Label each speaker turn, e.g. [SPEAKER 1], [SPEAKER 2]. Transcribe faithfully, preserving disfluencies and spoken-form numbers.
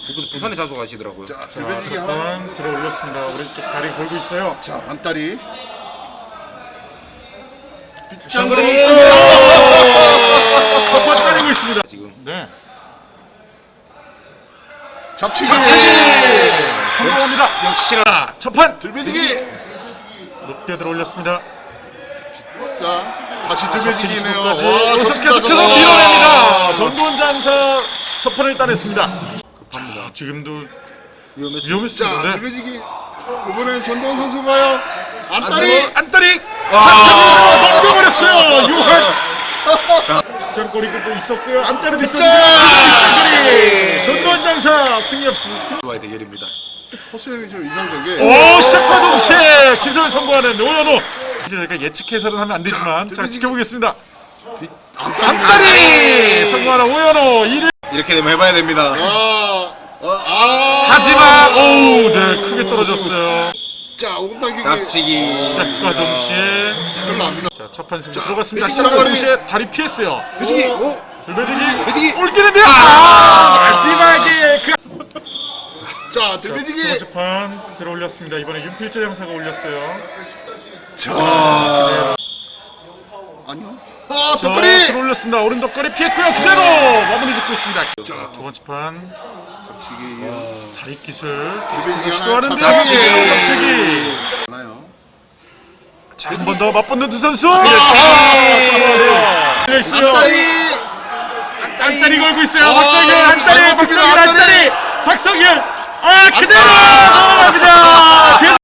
[SPEAKER 1] 그분 부산에 자주 가시더라고요.
[SPEAKER 2] 자,
[SPEAKER 3] 자,
[SPEAKER 2] 들배지기 하나.
[SPEAKER 3] 첫판 들어 올렸습니다. 오른쪽 다리 걸고 있어요.
[SPEAKER 2] 자, 안다리.
[SPEAKER 1] 샹그리.
[SPEAKER 3] 첫판 따리고 있습니다.
[SPEAKER 1] 지금
[SPEAKER 3] 네.
[SPEAKER 2] 잡치기.
[SPEAKER 3] 성공합니다.
[SPEAKER 1] 역시나
[SPEAKER 3] 첫판
[SPEAKER 2] 들배지기.
[SPEAKER 3] 높게 들어 올렸습니다.
[SPEAKER 2] 자, 다시
[SPEAKER 3] 잡치기
[SPEAKER 2] 들배지기네요.
[SPEAKER 3] 시도까지
[SPEAKER 2] 와,
[SPEAKER 3] 계속해서
[SPEAKER 2] 좋습니다, 저거.
[SPEAKER 3] 밀어냅니다. 전두원 장사 첫 판을 따냈습니다.
[SPEAKER 1] 급합니다.
[SPEAKER 3] 자, 지금도
[SPEAKER 1] 위험했습니다.
[SPEAKER 3] 위험했습니다.
[SPEAKER 2] 자,
[SPEAKER 3] 네.
[SPEAKER 2] 들배지기. 이번엔 전동원 선수가요. 안다리.
[SPEAKER 3] 안따리
[SPEAKER 1] 와.
[SPEAKER 3] 잡혀서 넘겨버렸어요. 유한. 빗장거리도 또 있었고요. 안따리도 있었는데 빗장거리. 전두원 장사 승리 없이.
[SPEAKER 1] 와의 대결입니다.
[SPEAKER 2] 포스형이 좀 이상적이에요.
[SPEAKER 3] 오, 시작과 동시에 기술을 성공하는 오연호. 사실 저희가 예측해서는 하면 안 되지만 자, 지켜보겠습니다.
[SPEAKER 2] 안다리.
[SPEAKER 3] 안따리 성공하는 오연호 일 위.
[SPEAKER 1] 이렇게 되면 해봐야 됩니다.
[SPEAKER 2] 아, 아.
[SPEAKER 3] 하지만 오, 네 크게 떨어졌어요.
[SPEAKER 2] 자, 오금당기기.
[SPEAKER 1] 잡치기.
[SPEAKER 3] 시작과 동시에
[SPEAKER 2] 별로 안 나.
[SPEAKER 3] 자, 첫판 승부 들어갔습니다.
[SPEAKER 2] 배지기
[SPEAKER 3] 시작과
[SPEAKER 2] 장거리.
[SPEAKER 3] 동시에 다리 피했어요.
[SPEAKER 2] 배지기. 오.
[SPEAKER 3] 들배지기
[SPEAKER 1] 배지기.
[SPEAKER 3] 올기는데요. 아, 마지막에 그
[SPEAKER 2] 자,
[SPEAKER 3] 자, 두
[SPEAKER 2] 들배지기.
[SPEAKER 3] 번째 판 들어 올렸습니다. 이번에 윤필재 장사가 올렸어요.
[SPEAKER 2] 자. 아니요. 아,
[SPEAKER 3] 자,
[SPEAKER 2] 덧거리.
[SPEAKER 3] 들어 올렸습니다. 오른 덧거리 피했고요. 그대로 마무리 짓고 있습니다. 자, 두 번째 판
[SPEAKER 2] 잡치기.
[SPEAKER 3] 다리 기술
[SPEAKER 2] 들배지기
[SPEAKER 3] 계속해서
[SPEAKER 2] 하나.
[SPEAKER 3] 시도하는데요.
[SPEAKER 2] 잡치기.
[SPEAKER 3] 잡치기.
[SPEAKER 2] 하나요.
[SPEAKER 3] 자, 한 번 더 맞붙는 두 선수.
[SPEAKER 1] 그렇지.
[SPEAKER 3] 아, 있어요.
[SPEAKER 2] 안다리.
[SPEAKER 3] 안다리 걸고 있어요.
[SPEAKER 2] 아,
[SPEAKER 3] 박성현 안다리,
[SPEAKER 2] 안다리,
[SPEAKER 3] 박성현
[SPEAKER 2] 안다리.
[SPEAKER 3] 안다리, 박성현. 아, 그대로 넘어갑니다.